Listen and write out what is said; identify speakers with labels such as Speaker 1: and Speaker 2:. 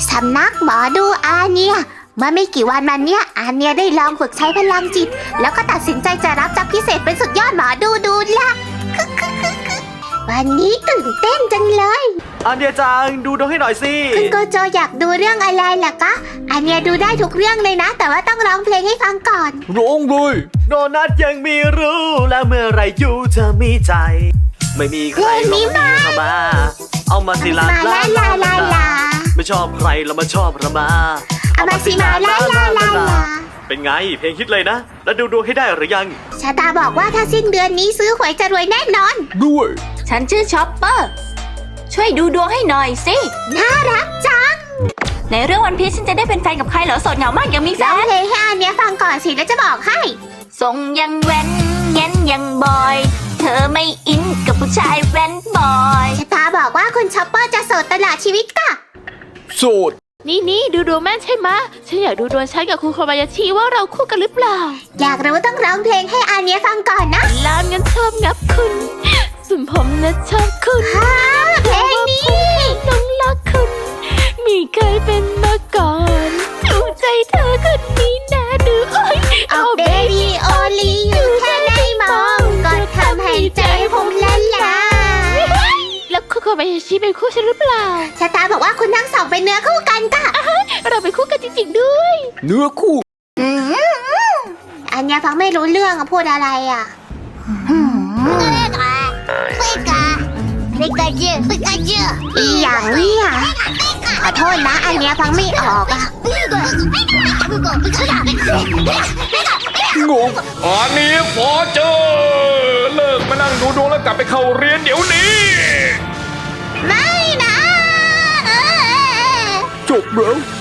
Speaker 1: สำนักหมอดูอาเนียเมื่อไม่กี่วันมาเนี้ยอาเนียได้ลองฝึกใช้พลังจิตแล้วก็ตัดสินใจจะรับจ็อบพิเศษเป็นสุดยอดหมอดูละวันนี้ตื่นเต้นจังเลย
Speaker 2: อาเนียจังดูดวงให้หน่อยสิ
Speaker 1: คุณโกโจอยากดูเรื่องอะไรล่ะคะอาเนียดูได้ทุกเรื่องเลยนะแต่ว่าต้องร้องเพลงให้ฟังก่อน
Speaker 3: ร้องเลย
Speaker 2: โดนัทยังมีรู้แล้วเมื่อไรอยู่เธอมีใจไม่มีใครลงมาเข้ามาเอามาสิลาไม่ชอบใครแล้วมาชอบเรามา
Speaker 1: เอามาสิมาลา
Speaker 2: เป็นไงเพลงฮิตเลยนะแล้วดูดวงให้ได้หรือยัง
Speaker 1: ชาตาบอกว่าถ้าสิ้นเดือนนี้ซื้อหวยจะรวยแน่นอน
Speaker 3: ด้วย
Speaker 4: ฉันชื่อชอปเปอร์ช่วยดูดวงให้หน่อยสิ
Speaker 1: น่ารักจัง
Speaker 4: ในเรื่องวันพีชฉันจะได้เป็นแฟนกับใครเหรอโสดเหงามากยังมีแฟน
Speaker 1: ร้องเพลงให้อาเนียฟังก่อนสิแล้วจะบอกให้
Speaker 4: ส่งยังแว้นเงี้ยยังบอยเธอไม่อินกับผู้ชายแว้นบอย
Speaker 1: ชาตาบอกว่าคุณชอปเปอร์จะโสดตลอดชีวิตค่ะ
Speaker 3: โสด
Speaker 5: นี่ดูดวงแม่นใช่ไหมฉันอยากดูดวงฉันกับคุณโคบายาชิว่าเราคู่กันหรือเปล่า
Speaker 1: อยากรู้ต้องร้องเพลงให้อาเนียฟังก่อนนะ
Speaker 5: ลามงั้นชอบงับคุณส่วนผมนะชอบคุณ
Speaker 1: เพลงนี้
Speaker 5: ต้องรักคุณมีเคยเป็นมาก่อนดูใจเธอคนนี้นะดู
Speaker 1: เอาเบบี้โอลีอยู่แค่ได้มองก็ทำให้ใจผมละลาย
Speaker 5: แล้วคุณโคบายาชิเป็นคู่ฉันหรือเปล่า
Speaker 1: ชาตาบอกว่าคุณทั้งสองเป็นเนื้อคู่กันค่ะ
Speaker 5: เราเป็นคู่กันจริงๆด้วย
Speaker 3: เนื้อคู่
Speaker 1: อันเนี้ยฟังไม่รู้เรื่องพูดอะไรอ่ะอีอย่างนี้อ่ะขอโทษนะอันเนี้ยฟังไม่ออกอ่ะ
Speaker 3: งงอันนี้พอเจอเลิกมานั่งดูดวงแล้วกลับไปเข้าเรียนเดี๋ยวนี้
Speaker 1: ไม่นะ
Speaker 3: จบแล้ว